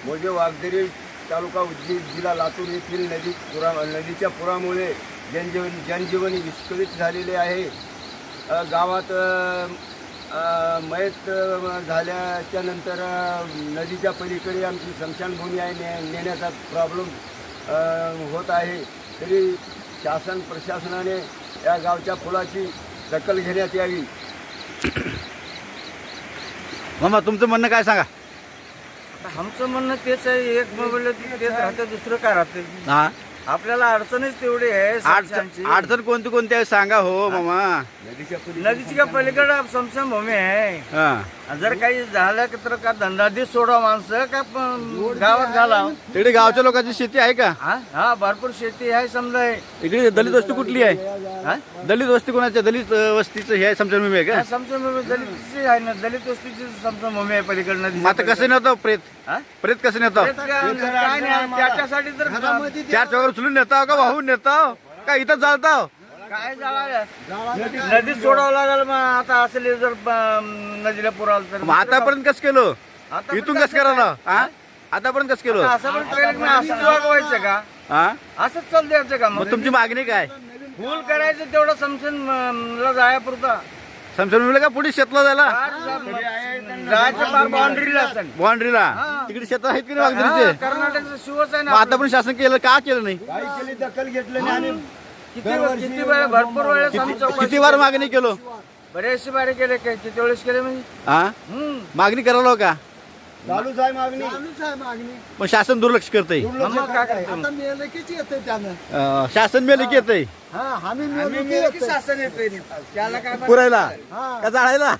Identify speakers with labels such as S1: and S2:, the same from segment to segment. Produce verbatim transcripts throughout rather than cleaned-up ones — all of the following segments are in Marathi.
S1: मोजे वाघदेरी तालुका उदगीर जिल्हा लातूर येथील नदी पुरा नदीच्या पुरामुळे जनजीवन जनजीवन विस्कळीत झालेले आहे. अ, गावात अ, मयत झाल्याच्या नंतर नदीच्या पलीकडे आमची स्मशानभूमी आहे, ने नेण्याचा प्रॉब्लेम होत आहे. तरी शासन प्रशासनाने या गावच्या पुलाची दखल घेण्यात यावी.
S2: मामा तुमचं म्हणणं काय सांगा.
S3: आमचं म्हणणं तेच आहे, एक मोबाईल तेच राहतं, दुसरं काय राहतं.
S2: हा
S3: आपल्याला अडचणच तेवढी आहे
S2: अडचण
S3: समशानची.
S2: अडचण कोणती कोणती आहे सांगा हो मामा.
S1: नदीच्या
S3: नदीची का पलीकडे समशानभूमी आहे.
S2: हा
S3: जर काही झालं तर का धंदादी सोडा माणसं का प- गावात घाला.
S2: तिकडे गावच्या लोकांची शेती आहे का.
S3: हा हा, भरपूर शेती आहे समजा आहे.
S2: इकडे दलित वस्ती कुठली आहे.
S3: हा?
S2: दलित वस्ती कोणाच्या दलित अ, वस्तीचं हे समजून आहे का.
S3: हा, समशानभूमी दलितची आहे ना, दलित वस्तीची समशानभूमी आहे पलीकडे नदी.
S2: मग आता कसं नेतो प्रेत
S3: हा?
S2: प्रेत कसं नेतो.
S3: काय नाही त्याच्यासाठी तर
S2: चार चौघात उचलून नेताव का वाहून नेताव का इथं चालताव.
S3: काय झालं नदीत सोडावं लागेल. मग आता असले जर ब- नदीला पुर आलं तर
S2: मग आतापर्यंत कसं केलं
S3: आता पण
S2: इथून
S3: कसं
S2: कसं करायला. हा आतापर्यंत कसं केलं.
S3: आता असं पण ट्रेनिंग नाही, असंच वागवायचं का,
S2: हा
S3: असंच चाल द्यायचं का.
S2: मग
S3: मग
S2: तुमची मागणी काय.
S3: फुल करायचं तेवढं समजून जायापुरता
S2: समजून का पुढे शेतला जायला
S3: जायचं फार बाउंड्रीला
S2: बाउंड्रीला
S3: हा.
S2: तिकडे शेत आहेत की नाही वागदरीचे.
S3: कर्नाटकचं शिवच आहे
S2: मग
S3: ना.
S2: आता पण शासन केलं का केलं नाही.
S1: काही केली दखल घेतलं नाही आणि
S3: किती किती वेळ भरपूर वेळेस आम्ही चौकशी
S2: किती वार मागणी केलो.
S3: बरेचसे बारे केले काय किती वेळेस केले म्हणजे
S2: हा
S3: हम्म.
S2: मागणी करायला का
S1: चालूच आहे मागणी.
S2: पण शासन दुर्लक्ष करतंय.
S3: मग काय करतो मग?
S2: शासन मेले की येतंय
S3: आम्ही मेलो की शासन येतंय. त्याला काय
S2: पुरायला का जाळायला.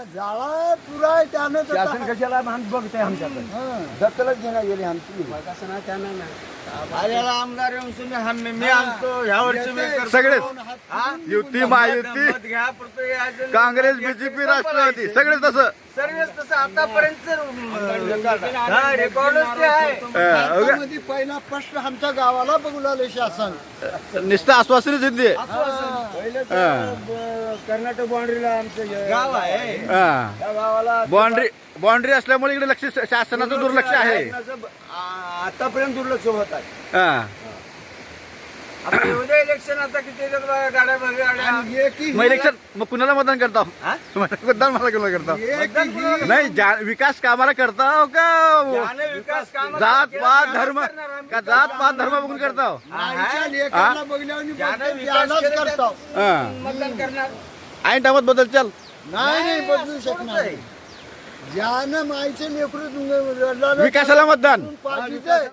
S1: शासन कशाला बघते आमच्याकडे दखलच घेण्यात गेली आमची.
S3: आल्याला आमदार येऊन सुने आम्ही मी आणतो ह्या वर्षी मी करतो.
S2: सगळेच
S3: हा?
S2: युती महायुती
S3: मत घ्या पुरतं यायचं.
S2: काँग्रेस बीजेपी राष्ट्रवादी सगळेच तसं.
S3: सर्वच तसं आतापर्यंत हा, रेकॉर्डच ते आहे.
S2: अं, उगा-
S4: मध्ये पहिला प्रश्न आमच्या गावाला बघू लागले शासन.
S2: नुसतं आश्वासनच येते.
S1: पहिलं तर,
S2: हा.
S1: ब- कर्नाटक बाउंड्रीला आमचं हे-
S3: गाव आहे.
S1: त्या गावाला
S2: बाउंड्री बाउंड्री असल्यामुळे इकडे लक्ष शासनाचं दुर्लक्ष आहे.
S1: आ- आतापर्यंत दुर्लक्ष होत आहे.
S2: हा.
S3: आता उद्या इलेक्शन आता किती येतात बघा, गाड्या भरल्या गाड्या.
S4: आणि एकही
S2: मग इलेक्शन मग कुणाला मतदान करताव.
S3: हा?
S2: मतदान मला कुणाला करताव.
S4: एकही
S2: नाही जा- विकास कामाला करताव का
S3: ज्याने विकास कामं
S2: जात
S3: केलं
S2: पात
S3: त्यालाच
S2: धर्म
S3: करणार आम्ही.
S2: का जात पात धर्म बघून करताव.
S4: आईच्या लेकराला बघल्यावर
S3: ज्याने
S4: बोलते,
S3: विकास
S4: त्यालाच
S3: केला
S4: करतो.
S2: हा.
S3: मतदान करणार.
S2: ऐन टायमात बदल चल.
S4: नाही नाही बदलू शकणार. ज्यानं माईचे लेकरू
S2: विकासाला मतदान.
S4: पाठवते